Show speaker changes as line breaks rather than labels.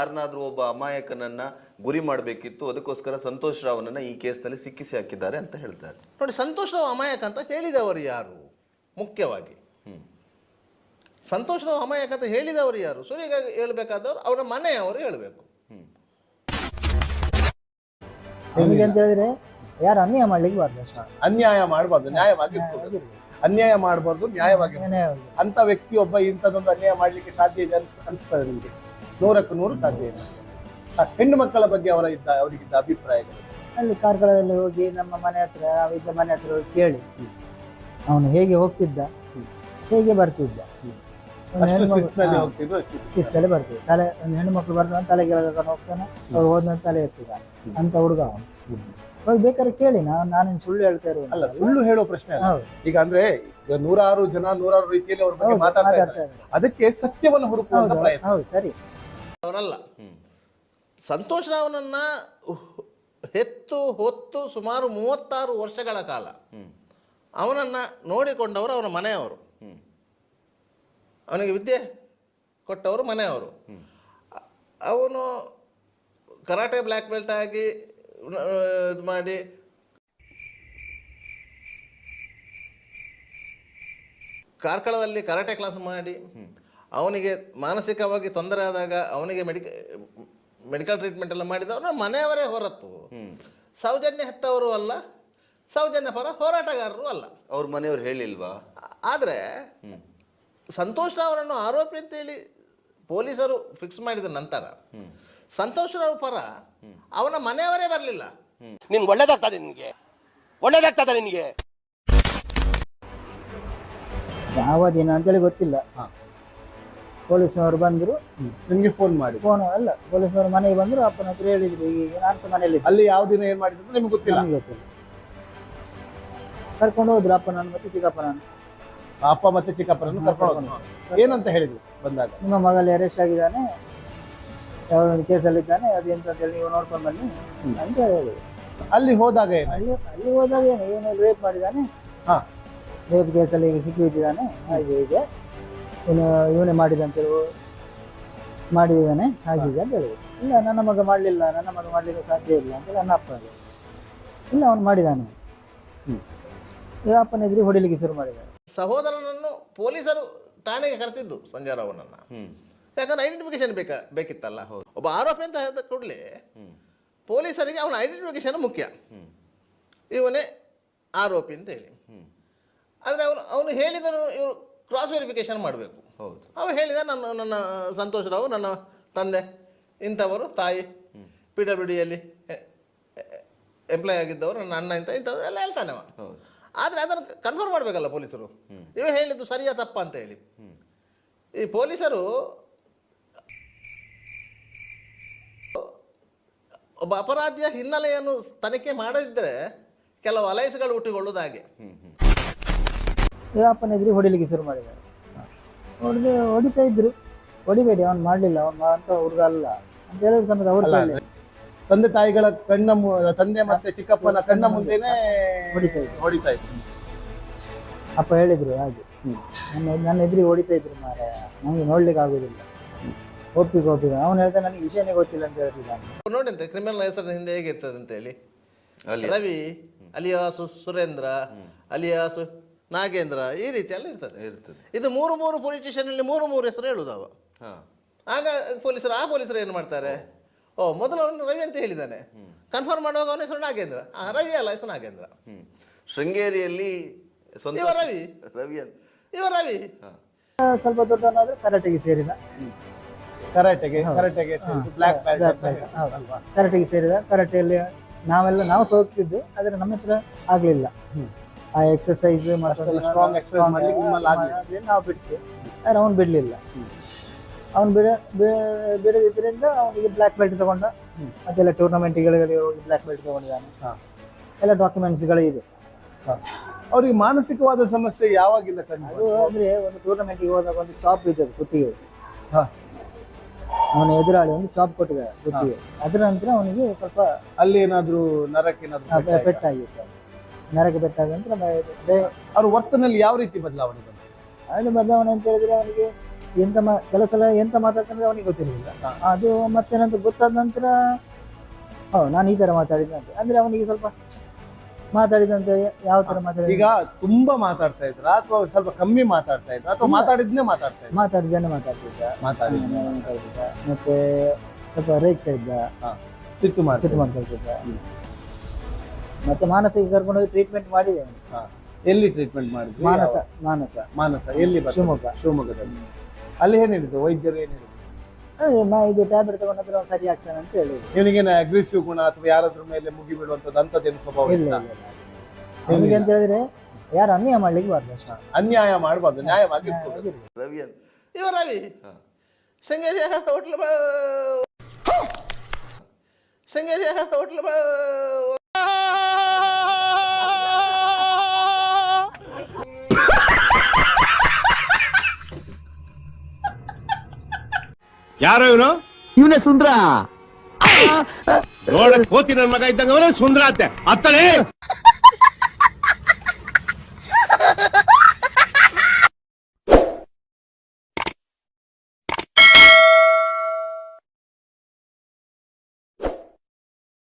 ಯಾರನ್ನಾದ್ರೂ ಒಬ್ಬ ಅಮಾಯಕನನ್ನ ಗುರಿ ಮಾಡಬೇಕಿತ್ತು, ಅದಕ್ಕೋಸ್ಕರ ಸಂತೋಷ್ ರಾವ್ನನ್ನ ಈ ಕೇಸ್ನಲ್ಲಿ ಸಿಕ್ಕಿಸಿ ಹಾಕಿದ್ದಾರೆ ಅಂತ ಹೇಳ್ತಾರೆ.
ನೋಡಿ, ಸಂತೋಷ್ ರಾವ್ ಅಮಾಯಕ ಅಂತ ಹೇಳಿದವರು ಯಾರು? ಮುಖ್ಯವಾಗಿ ಸಂತೋಷ್ ರಾವ್ ಅಮಾಯಕ ಅಂತ ಹೇಳಿದವರು ಯಾರು? ಸುರಿಗಾಗಿ ಹೇಳ್ಬೇಕಾದವರು ಅವರ ಮನೆಯವರು ಹೇಳಬೇಕು.
ನಮಗೆ ಅಂತ ಹೇಳಿದ್ರೆ ಯಾರು ಅನ್ಯಾಯ ಮಾಡ್ಲಿಕ್ಕೆ ಬಾರ್ದು ಅಷ್ಟೇ.
ಅನ್ಯಾಯ ಮಾಡಬಾರ್ದು, ನ್ಯಾಯವಾಗಿ ಅನ್ಯಾಯ ಮಾಡಬಾರ್ದು, ನ್ಯಾಯವಾಗಿ. ಅಂತ ವ್ಯಕ್ತಿಯೊಬ್ಬ ಇಂಥದ್ದೊಂದು ಅನ್ಯಾಯ ಮಾಡ್ಲಿಕ್ಕೆ ಸಾಧ್ಯ ಇದೆ ಅನಿಸ್ತದೆ ನಿಮಗೆ? 100ಕ್ಕೆ 100 ಸಾಧ್ಯ ಇದೆ. ಹೆಣ್ಣು ಮಕ್ಕಳ ಬಗ್ಗೆ ಅವರಿಗಿದ್ದ ಅಭಿಪ್ರಾಯಗಳು?
ಅಲ್ಲಿ ಕಾರ್ಕಳದಲ್ಲಿ ಹೋಗಿ ನಮ್ಮ ಮನೆ ಹತ್ರ ನಾವಿದ್ದ ಮನೆ ಹತ್ರ ಹೋಗಿ ಕೇಳಿ ಅವನು ಹೇಗೆ ಹೋಗ್ತಿದ್ದ, ಹೇಗೆ ಬರ್ತಿದ್ದ. ಶಿಸ್ತಲ್ಲಿ ಬರ್ತಿದ್ದ. ತಲೆ ಒಂದು ಹೆಣ್ಣು ಮಕ್ಳು ಬರ್ತಾನೆ, ತಲೆ ಕೆಳಗೆ ಹೋಗ್ತಾನೆ, ಅವ್ರು ಹೋದ್ಮೇಲೆ ತಲೆ ಎತ್ತಿದ ಅಂತ ಹುಡುಗ ಅವನು. ಹೋಗಿ ಬೇಕಾದ್ರೆ ಕೇಳಿ, ನಾನೇನು ಸುಳ್ಳು ಹೇಳ್ತಾ ಇರೋದು
ಅಲ್ಲ. ಸುಳ್ಳು ಹೇಳೋ ಪ್ರಶ್ನೆ ಈಗ ಅಂದ್ರೆ ನೂರಾರು ಜನ ನೂರಾರು ರೀತಿಯಲ್ಲಿ ಅವ್ರ ಬಗ್ಗೆ ಮಾತಾಡ್ತಾ ಇದ್ದಾರೆ. ಅದಕ್ಕೆ ಸತ್ಯವನ್ನು ಹುಡುಕುವಂತ ಪ್ರಯತ್ನ.
ಹೌದು, ಸರಿ.
ಅವರಲ್ಲ, ಸಂತೋಷ್ ರಾವ್ನನ್ನ ಹೊತ್ತು ಸುಮಾರು 36 ವರ್ಷಗಳ ಕಾಲ ಅವನನ್ನ ನೋಡಿಕೊಂಡವರು ಅವನ ಮನೆಯವರು, ಅವನಿಗೆ ವಿದ್ಯೆ ಕೊಟ್ಟವರು ಮನೆಯವರು. ಅವನು ಕರಾಟೆ ಬ್ಲ್ಯಾಕ್ ಬೆಲ್ಟ್ ಆಗಿ ಇದು ಮಾಡಿ ಕಾರ್ಕಳದಲ್ಲಿ ಕರಾಟೆ ಕ್ಲಾಸ್ ಮಾಡಿ ಅವನಿಗೆ ಮಾನಸಿಕವಾಗಿ ತೊಂದರೆ ಆದಾಗ ಅವನಿಗೆ ಮೆಡಿಕಲ್ ಟ್ರೀಟ್ಮೆಂಟ್ ಎಲ್ಲ ಮಾಡಿದವನು ಮನೆಯವರೇ ಹೊರತು ಸೌಜನ್ಯ ಹೆತ್ತವರು ಅಲ್ಲ, ಸೌಜನ್ಯ ಪರ ಹೋರಾಟಗಾರರು ಅಲ್ಲ.
ಅವ್ರ ಮನೆಯವ್ರು ಹೇಳಿಲ್ವಾ?
ಆದರೆ ಸಂತೋಷ್ ರಾವ್ರನ್ನು ಆರೋಪಿ ಅಂತೇಳಿ ಪೊಲೀಸರು ಫಿಕ್ಸ್ ಮಾಡಿದ ನಂತರ ಸಂತೋಷ್ ರಾವ್ ಪರ ಅವನ ಮನೆಯವರೇ ಬರಲಿಲ್ಲ.
ನಿನ್ಗೆ ಒಳ್ಳೇದಾಗ್ತದೆ, ನಿನಗೆ
ಯಾವ ದಿನ ಅಂತೇಳಿ ಗೊತ್ತಿಲ್ಲ. ಪೊಲೀಸ್ನವರು ಬಂದ್ರು,
ನಿಮ್ಗೆ ಫೋನ್
ಅಲ್ಲ, ಪೊಲೀಸ್ನವರು ಮನೆಗೆ ಬಂದ್ರು, ಅಪ್ಪನ ಹತ್ರ ಹೇಳಿದ್ರು ಈಗ ನಾನು ಮನೆಯಲ್ಲಿ.
ಅಲ್ಲಿ ಯಾವ ದಿನ ಏನ್ ಮಾಡಿದ್ರು ನಿಮ್ಗೆ ಗೊತ್ತಿಲ್ಲ?
ಕರ್ಕೊಂಡು ಹೋದ್ರು ಅಪ್ಪನನ್ನು ಮತ್ತೆ ಚಿಕ್ಕಪ್ಪನನ್ನು.
ಅಪ್ಪ ಮತ್ತೆ ಚಿಕ್ಕಪ್ಪನನ್ನು ಕರ್ಕೊಂಡು ಹೋದ್ರು. ಏನಂತ ಹೇಳಿದ್ರು ಬಂದಾಗ?
ನಿಮ್ಮ ಮಗಲ್ಲಿ ಅರೆಸ್ಟ್ ಆಗಿದ್ದಾನೆ, ಯಾವುದೊಂದು ಕೇಸಲ್ಲಿ ಇದ್ದಾನೆ, ಅದು ಎಂತ ಅಂತ ಹೇಳಿ ನೀವು ನೋಡ್ಕೊಂಡು ಬನ್ನಿ ಅಂತ ಹೇಳಿದ್ರು.
ಅಲ್ಲಿ ಹೋದಾಗ
ಅಲ್ಲಿ ಹೋದಾಗ ಏನು ರೇಪ್ ಮಾಡಿದ್ದಾನೆ, ರೇಪ್ ಕೇಸಲ್ಲಿ ಈಗ ಸಿಕ್ಕಿ ಬಿದ್ದಿದ್ದಾನೆ, ಹಾಗೆ ಇದೆ, ಇವನೇ ಮಾಡಿದ್ದಾನೆ ಹಾಗಿದೆ ಅಂತ ಹೇಳಿದ್ರು. ಇಲ್ಲ, ನನ್ನ ಮಗ ಮಾಡಲಿಕ್ಕೆ ಸಾಧ್ಯ ಇಲ್ಲ ಅಂತ ನನ್ನ ಅಪ್ಪ ಹೇಳಿದ್ರು. ಇಲ್ಲ, ಅವನು ಮಾಡಿದ್ದಾನೆ. ಈಗ ಅಪ್ಪನ ಎದುರು ಹೊಡಿಲಿಕ್ಕೆ ಶುರು ಮಾಡಿದ್ದಾರೆ.
ಸಹೋದರನನ್ನು ಪೊಲೀಸರು ಠಾಣೆಗೆ ಕರೆಸಿದ್ದು ಸಂಜಯ್ ರಾವ್ನನ್ನ. ಯಾಕಂದ್ರೆ ಐಡೆಂಟಿಫಿಕೇಶನ್ ಬೇಕಿತ್ತಲ್ಲ. ಒಬ್ಬ ಆರೋಪಿ ಅಂತ ಹೇಳಿದ ಕೂಡಲೇ ಪೊಲೀಸರಿಗೆ ಅವನ ಐಡೆಂಟಿಫಿಕೇಶನ್ ಮುಖ್ಯ, ಇವನೇ ಆರೋಪಿ ಅಂತ ಹೇಳಿ. ಆದರೆ ಅವನು ಹೇಳಿದನು ಇವರು ಕ್ರಾಸ್ ವೆರಿಫಿಕೇಶನ್ ಮಾಡಬೇಕು. ಅವ ಹೇಳಿದ ನನ್ನ ಸಂತೋಷ್ ರಾವ್ ನನ್ನ ತಂದೆ ಇಂಥವರು, ತಾಯಿ PWDಯಲ್ಲಿ ಎಂಪ್ಲಾಯ್ ಆಗಿದ್ದವರು, ನನ್ನ ಅಣ್ಣ ಇಂಥವ್ರು ಎಲ್ಲ ಹೇಳ್ತಾನೆ ಅವ. ಆದರೆ ಅದನ್ನು ಕನ್ಫರ್ಮ್ ಮಾಡಬೇಕಲ್ಲ ಪೊಲೀಸರು, ಇವ ಹೇಳಿದ್ದು ಸರಿಯಾ ತಪ್ಪ ಅಂತ ಹೇಳಿ. ಈ ಪೊಲೀಸರು ಒಬ್ಬ ಅಪರಾಧಿಯ ಹಿನ್ನೆಲೆಯನ್ನು ತನಿಖೆ ಮಾಡದಿದ್ದರೆ ಕೆಲವು ಅಲೈಸ್ಗಳು ಹುಟ್ಟಿಕೊಳ್ಳುವುದು ಹಾಗೆ.
ಈಗ ಅಪ್ಪನ ಎದುರು ಹೊಡಿಲಿಕ್ಕೆ ಶುರು ಮಾಡಿದ್ದಾರೆ. ಹೊಡಿತಾ ಇದ್ರು, ಹೊಡಿಬೇಡಿ, ಅವ್ನು ಮಾಡಲಿಲ್ಲ, ಅವ್ನು ಅಂತ ಹುಡುಗ ಅಲ್ಲ ಅಂತ ಹೇಳಿದ್ರು ಸಮೇತ ಅವ್ರು
ತಂದೆ ತಾಯಿಗಳ ತಂದೆ ಮತ್ತೆ ಚಿಕ್ಕಪ್ಪನ ಕಣ್ಣ ಮುಂದೆನೆ ಹೊಡಿತಾ ಇದ್ರು.
ಅಪ್ಪ ಹೇಳಿದ್ರು ಹಾಗೆ, ನನ್ನ ಎದುರಿಗೆ ಹೊಡಿತಾ ಇದ್ರು ಮಾರಾಯ, ನನಗೆ ನೋಡ್ಲಿಕ್ಕೆ ಆಗುದಿಲ್ಲ, ಒಪ್ಪಿಗೆ ಅವನು ಹೇಳ್ತಾ ನನಗೆ ವಿಷಯನೇ ಗೊತ್ತಿಲ್ಲ ಅಂತ ಹೇಳ್ತಿದ್ದಾನೆ.
ನೋಡಿ ಅಂತ ಕ್ರಿಮಿನಲ್ ಹೆಸರಿನ ಹಿಂದೆ ಹೇಗಿರ್ತದೆ ಅಂತ ಹೇಳಿ, ರವಿ ಅಲಿಯಾಸು ಸುರೇಂದ್ರ ಅಲಿಯಾಸು ನಾಗೇಂದ್ರ, ಈ ರೀತಿ ಎಲ್ಲ ಇರ್ತದೆ. ಇದು 3 ಪೊಲೀಸ್ ಸ್ಟೇಷನ್ ಅಲ್ಲಿ 3 ಹೆಸರು ಹೇಳುದವ. ಆಗ ಪೊಲೀಸರು ಏನು ಮಾಡ್ತಾರೆ, ಮೊದಲು ಅವನು ರವಿ ಅಂತ ಹೇಳಿದ್ದಾನೆ, ಕನ್ಫರ್ಮ್ ಮಾಡುವಾಗ ಅವನ ಹೆಸರು ನಾಗೇಂದ್ರ. ರವಿ ಅಲ್ಲ, ಹೆಸರು ನಾಗೇಂದ್ರ.
ಶೃಂಗೇರಿಯಲ್ಲಿ
ಇವ ರವಿ
ಸ್ವಲ್ಪ ದೊಡ್ಡವನಾದ್ರೆ ಕರಾಟೆಗೆ ಸೇರಿದ. ಕರಾಟೆಗೆ ಸೇರಿದ. ಕರಾಟೆಯಲ್ಲಿ ನಾವು ಸೋಗ್ತಿದ್ದು, ಆದ್ರೆ ನಮ್ಮ ಹತ್ರ ಆಗ್ಲಿಲ್ಲ. ಆ ಎಕ್ಸರ್ಸೈಸ್ ನಾವು ಬಿಡ್ತೀವಿ, ಆದ್ರೆ ಅವ್ನು ಬಿಡ್ಲಿಲ್ಲ. ಅವ್ನು ಬಿಡದಿದ್ರಿಂದ ಅವನಿಗೆ ಬ್ಲ್ಯಾಕ್ ಬೆಲ್ಟ್ ತಗೊಂಡ, ಅದೆಲ್ಲ ಟೂರ್ನಮೆಂಟ್ಗಳಿಗೆ ಹೋಗಿ ಬ್ಲ್ಯಾಕ್ ಬೆಲ್ಟ್ ತಗೊಂಡಿದ್ದಾನೆ. ಎಲ್ಲ ಡಾಕ್ಯುಮೆಂಟ್ಸ್ಗಳು ಇದೆ.
ಅವ್ರಿಗೆ ಮಾನಸಿಕವಾದ ಸಮಸ್ಯೆ ಯಾವಾಗಿಂದ ಕಂಡು?
ಅದು ಅಂದ್ರೆ ಒಂದು ಟೂರ್ನಮೆಂಟ್ಗೆ ಹೋದಾಗ ಒಂದು ಚಾಪ್ ಇದೆ ಕುತ್ತಿಗೆ, ಅವನ ಎದುರಾಳಿ ಒಂದು ಚಾಪ್ ಕೊಟ್ಟಿದ್ದಾರೆ ಕುತ್ತಿಗೆ. ಅದರ ನಂತರ ಅವನಿಗೆ ಸ್ವಲ್ಪ
ಅಲ್ಲಿ ಏನಾದ್ರು ನರಕ್ಕೆ
ಪೆಟ್ಟಾಗಿತ್ತು. ನರಕ್ಕೆ ಪೆಟ್ಟಾದ ನಂತರ
ಅವ್ರ ವರ್ತನೆಯಲ್ಲಿ ಯಾವ ರೀತಿ ಬದಲಾವಣೆ ಬಂತು?
ಬದಲಾವಣೆ ಅಂತ ಹೇಳಿದ್ರೆ ಅವನಿಗೆ ಕೆಲವು ಸಲ ಎಂತ ಮಾತಾಡ್ತಾರೆ ಅವನಿಗೆ ಗೊತ್ತಿರಲಿಲ್ಲ. ಅದು ಮತ್ತೆ ನಂತರ ಗೊತ್ತಾದ ನಂತರ ನಾನು ಈ ತರ ಮಾತಾಡಿದ್ದೆ ಅಂತ ಅಂದ್ರೆ ಅವನಿಗೆ ಸ್ವಲ್ಪ ಮಾತಾಡಿದಂತೆ ಯಾವ ತರ
ಈಗ ತುಂಬಾ ಮಾತಾಡ್ತಾ ಇದ್ರ ಅಥವಾ ಸ್ವಲ್ಪ ಕಮ್ಮಿ ಮಾತಾಡ್ತಾ ಇದ್ರ ಅಥವಾ ಮಾತಾಡಿದ್ನೇ ಮಾತಾಡ್ತಾ ಇದ್ರ?
ಮಾತಾಡಿದ್ದ
ಮಾತಾಡಿದ್ನ
ಮತ್ತೆ ಸ್ವಲ್ಪ ರೇಗ್ತಾ ಇದ್ದ,
ಸಿಟ್ಟು
ಸಿಟ್ಟು ಮಾಡ್ತಾ ಇದ್ದ. ಮತ್ತೆ ಮಾನಸಿಕ ಕರ್ಕೊಂಡೋಗಿ ಟ್ರೀಟ್ಮೆಂಟ್ ಮಾಡಿದೆ.
ಎಲ್ಲಿ ಟ್ರೀಟ್ಮೆಂಟ್ ಮಾಡಿದ್ವಿ? ಮಾನಸ ಎಲ್ಲಿ ಬರ್ತದೆ? ಶಿವಮೊಗ್ಗದಲ್ಲಿ. ಅಲ್ಲಿ ಏನ್ ಹೇಳಿದ್ರು ವೈದ್ಯರು? ಏನ್ ಹೇಳಿದ್ರು?
ಇದು ಟ್ಯಾಬ್ಲೆಟ್ ತಗೊಂಡ್ರೆ ಅವ್ನು ಸರಿ ಆಗ್ತಾನೆ ಅಂತ ಹೇಳಿದ್ರು.
ಇವನಿಗೇನು ಅಗ್ರೆಸಿವ್ ಗುಣ ಅಥವಾ ಯಾರಾದ್ರ ಮೇಲೆ ಮುಗಿ ಬಿಡುವಂತದ್ದು ಅಂತದ್ದೇನು ಸ್ವಭಾವ
ಇಲ್ಲ
ಇಲ್ಲ?
ಅವನಿಗೆ ಅಂತ ಹೇಳಿದ್ರೆ ಯಾರು ಅನ್ಯಾಯ ಮಾಡ್ಲಿಕ್ಕೆ ಬಾರ್ದು ಅಷ್ಟೇ.
ಅನ್ಯಾಯ ಮಾಡಬಾರ್ದು, ನ್ಯಾಯವಾಗಿ ಇರ್ಬೇಕು.
ರವಿ ಅಂತ
ಇವ ರವಿ ಶೃಂಗೇರಿ ಹೋಟ್ಲ್ ಶೃಂಗೇರಿ ಹೋಟ್ಲ್
ಯಾರೋ ಇವನೇ ಸುಂದ್ರ ನೋಡಕ್ ಹೋತಿ ನನ್ ಮಗ ಇದ್ದಂಗ ಸುಂದ್ರ ಅಂತೆ ಅತ್ತಲೇ